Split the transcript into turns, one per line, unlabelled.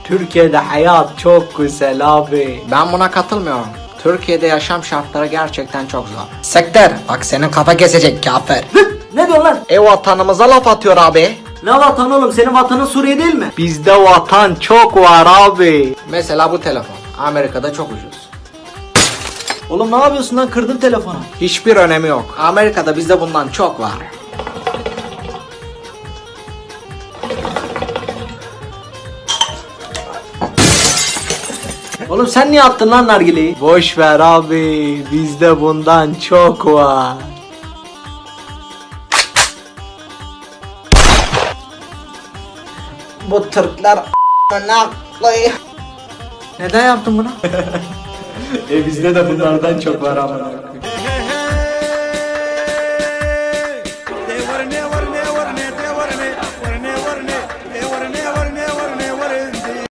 Türkiye'de hayat çok güzel abi.
Ben buna katılmıyorum. Türkiye'de yaşam şartları gerçekten çok zor. Sektör, bak senin kafa kesecek kafir.
Ne diyorsun lan?
Vatanımıza laf atıyor abi.
Ne vatan oğlum? Senin vatanın Suriye değil mi? Bizde vatan çok var abi.
Mesela bu telefon. Amerika'da çok ucuz.
Oğlum ne yapıyorsun lan? Kırdın telefonu.
Hiçbir önemi yok. Amerika'da bizde bundan çok var.
Oğlum sen niye attın lan nargileyi? Boş ver abi. Bizde bundan çok var.
Bu Türkler
Neden yaptın bunu?
bizde de bunlardan çok var ama.